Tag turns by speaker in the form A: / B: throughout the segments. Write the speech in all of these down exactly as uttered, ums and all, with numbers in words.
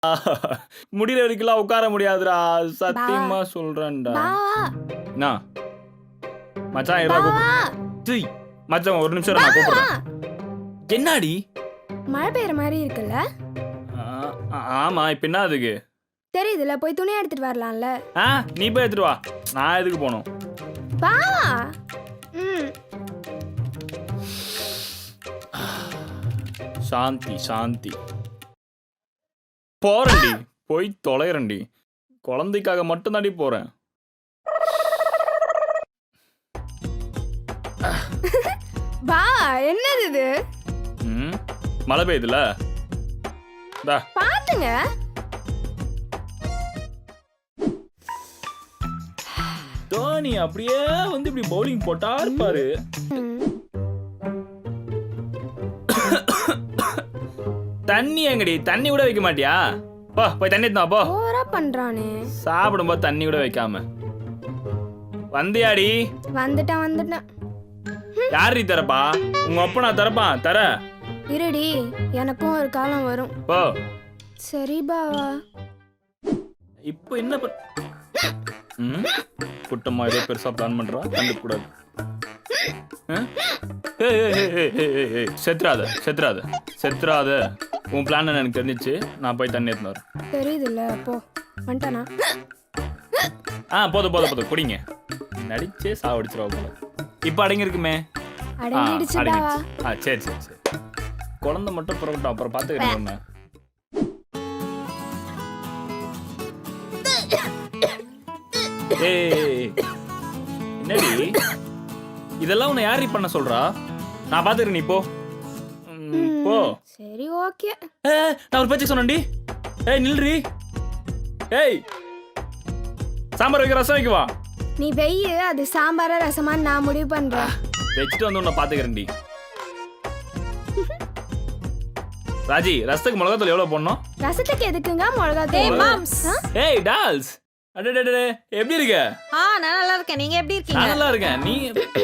A: முடியற வரைக்கும் உட்கார முடியாதுடா, சத்தியமா சொல்றேன்டா. என்ன மச்சான் இரா கூப்பிடு. மச்சான் ஒரு நிமிஷம் நான் கூப்பிடுறேன். என்னடி
B: மழை பெய்யற மாதிரி இருக்குல்ல?
A: ஆமா, இப்ப என்ன அதுக்கு
B: தெரியுதுல, போய் துணி எடுத்துட்டு வரலாம்ல.
A: ஆ, நீ போய் எடுத்துட்டு வா, நான் எதுக்கு போகணும்?
B: வா. ம்.
A: சாந்தி சாந்தி. போறேன்டி, போய் தொலைறேன்டி. குழந்தைக்காக மட்டும் தாண்டி போறேன்.
B: வா. என்னது இது?
A: ம், மழை பெய்யுதுல, டா
B: பாத்துங்க.
A: தோனி அப்படியே வந்து இப்படி பவுலிங் போட்டா இருப்பாரு. தண்ணி எங்கடி? தண்ணி கூட வைக்க மாட்டியா? போ போய் தண்ணி எடுத்து வா போ.
B: ஓவரா பண்றானே.
A: சாப்பிடும்போது தண்ணி கூட வைக்காம வந்தியாடி?
B: வந்துட்டேன் வந்துட்டேன்.
A: யாரி தரப்பா? உங்க அப்பா நான் தரப்பான் தர.
B: இருடி, எனக்கும் ஒரு காலம் வரும்.
A: போ.
B: சரி பாவா.
A: இப்போ என்ன பண்ண? ம், குட்டம்மா ஏதோ பெருசா பிளான் பண்றா, கண்டுக்க கூடாது. செத்துறாத செத்துறாத செத்துறாத. உன் பிளான் எனக்கு தெரிஞ்சிச்சு. நான் போய் தண்ணி எடுத்து வரேன்.
B: தெரியுதுல்ல, போ. வந்துட்டானா?
A: ஆ, போதும் போதும் போதும், குடிங்க. நடிச்சே சாவடிச்சிருவா போல. இப்போ அடங்கி இருக்குமே.
B: அடங்கிடுச்சு பாவா.
A: ஆ, சரி சரி சரி. குழந்தை மட்டும் புறப்பட்டோம், அப்புறம் பார்த்துக்கிறேன். ஏய், என்னடி இதெல்லாம் உன்னை யாரி பண்ண சொல்றா? நான் பாத்துக்கிறேன், நீ போ போ.
B: சரி ஓகே.
A: நான் ஒரு பேச்சு சொன்னேன்டி. ஏய் நில்றி. ஏய், சாம்பார் வைக்க ரசம் வைக்கவா?
B: நீ வெய்யு, அது சாம்பாரா ரசமான்னு நான் முடிவு பண்றேன்.
A: வச்சுட்டு வந்து உன்னை பாத்துக்கிறேன்டி. ராஜி, ரசத்துக்கு மிளகாத்தூள் எவ்வளவு போடணும்?
B: ரசத்துக்கு எதுக்குங்க மிளகாத்தூள்?
C: மாம்ஸ்.
A: ஏய் டால்ஸ், அடடடடே, எப்படி இருக்க?
C: ஆ, நான் நல்லா இருக்கேன். நீங்க எப்படி இருக்கீங்க?
A: நான் நல்லா இருக்கேன். நீ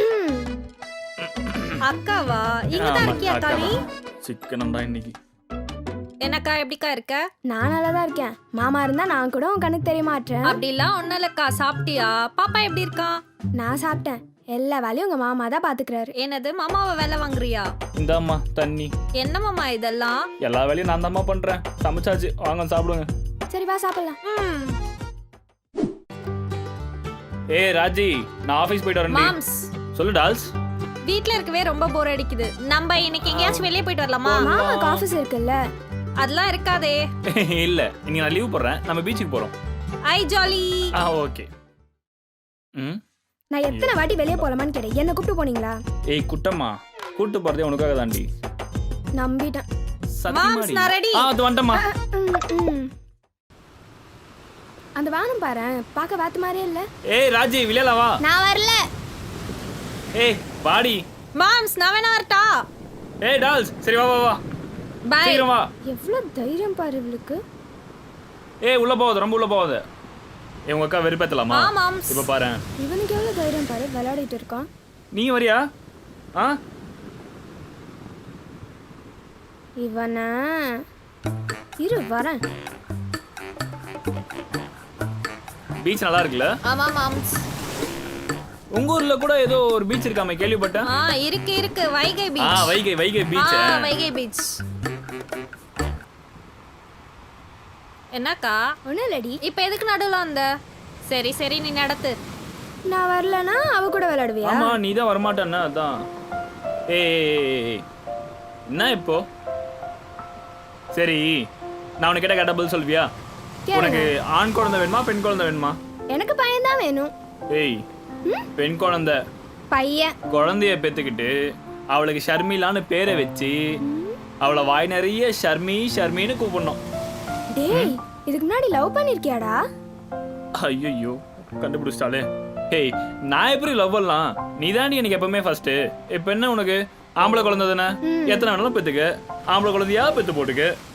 C: அக்காவா? இங்க தான் இருக்கியா அக்கா? நீ
A: சிக்கனம்டா இன்னைக்கு.
C: என்னக்கா எப்படிக்கா இருக்க?
B: நான் நல்லா தான் இருக்கேன். மாமா இருந்தா நான் கூட உன் கண்ணுக்கு தெரிய மாட்டேன்.
C: அப்படிலாம் ஒண்ணும் இல்லக்கா. சாப்பிட்டியா? பாப்பா எப்படி இருக்கா?
B: நான் சாப்பிட்டேன். எல்லா வேலையும் உங்க மாமா தான் பாத்துக்கிறாரு.
C: என்னது, மாமாவை வேலை வாங்குறியா?
A: இந்தாம்மா தண்ணி.
C: என்ன மாமா இதெல்லாம்?
A: எல்லா வேலையும் நான் தாம்மா பண்றேன். சமைச்சாச்சு, வாங்க சாப்பிடுங்க.
B: சரி வா சாப்பிடலாம்.
C: ம்.
A: ஏய் ராஜி, நான் ஆபீஸ் போயிட்டு வரேன்.
C: மாம்ஸ்.
A: சொல்லு டால்ஸ்.
C: வீட்ல இருக்கவே ரொம்ப போர் அடிக்குது. நம்ம இன்னைக்கு எங்கயாச்சும் வெளியே போயிட்டு வரலாமா?
B: மாமாக்கு ஆபீஸ் இருக்குல்ல.
C: அதெல்லாம் இருக்காதே.
A: இல்ல, இன்னைக்கு நான் லீவ் போடுறேன். நம்ம பீச்சுக்கு போறோம்.
C: ஐ ஜாலி.
A: ஆ, ஓகே. ம்,
B: நான் எத்தனை வாட்டி வெளியே போலாமான்னு கேட்டேன். என்ன கூப்பிட்டு போனீங்களா?
A: ஏய் குட்டம்மா, கூட்டு போறதே உனக்காக தாண்டி.
B: நம்பிட்டேன்.
C: மாம்ஸ், நான் ரெடி.
A: ஆ, அது வந்துட்டம்மா.
B: ம், ம். அந்த வானம் பாரு, பார்க்க வாத்து மாதிரியே இல்ல.
A: ஏய் ராஜி, விளையாட வா.
B: நான் வரல.
A: ஏய் பாடி.
C: மாம்ஸ், நான் வேணா வரட்டா?
A: ஏய் டால்ஸ், சரி வா வா வா.
C: பை.
A: சீக்கிரம் வா.
B: எவ்வளவு தைரியம் பாரு இவளுக்கு.
A: ஏய் உள்ள போகாத, ரொம்ப உள்ள போகாத. ஏய் உங்க அக்கா வெறுப்பேத்தலாமா?
C: ஆ மாம்ஸ்.
A: இப்ப பாரு.
B: இவனுக்கு எவ்வளவு தைரியம் பாரு, விளையாடிட்டு இருக்கான்.
A: நீ வரியா? ஆ,
B: இவன இரு வரேன்.
A: பீச் நல்லா இருக்குல்ல?
C: ஆமா மாம்ஸ்.
A: உங்க ஊர்ல கூட ஏதோ ஒரு பீச் இருக்காமே, கேள்விப்பட்டேன்.
C: ஆ, இருக்கு இருக்கு. வைகை
A: ஆ,
C: பீச்.
A: வைகை வைகை பீச்.
C: ஆ, வைகை பீச். என்னக்கா?
B: ஒன்னும் இல்லடி.
C: இப்ப எதுக்கு நடுவுல வந்த? சரி சரி, நீ நடத்து.
B: நான் வரலனா அவ கூட விளையாடுவியா?
A: ஆமா, நீ தான் வரமாட்டேன்னா அதான். ஏய் என்ன இப்போ? சரி, நான் உனக்கு கேட்ட கேட்ட பதில் சொல்வியா? உனக்கு ஆண் குழந்தை வேணுமா, பெண் குழந்தை வேணுமா?
B: எனக்கு பையன் தான் வேணும்.
A: ஏய், பெண் குழந்தை.
B: பையன்.
A: குழந்தைய பெத்துக்கிட்டு அவளுக்கு ஷர்மிலான்னு பேரை வச்சு அவளை வாய் நிறைய ஷர்மி ஷர்மின்னு கூப்பிடணும்.
B: டேய், இதுக்கு முன்னாடி லவ் பண்ணிருக்கியாடா?
A: ஐயோ, கண்டுபிடிச்சிட்டாலே. ஏய், நான் எப்படி லவ் பண்ணலாம்? நீ தாண்டி எனக்கு எப்பவுமே ஃபர்ஸ்ட். இப்ப என்ன உனக்கு? ஆம்பளை குழந்தை தானே, எத்தனை வேணாலும் பெத்துக்க. ஆம்பளை குழந்தையா பெத்து போட்டுக்க.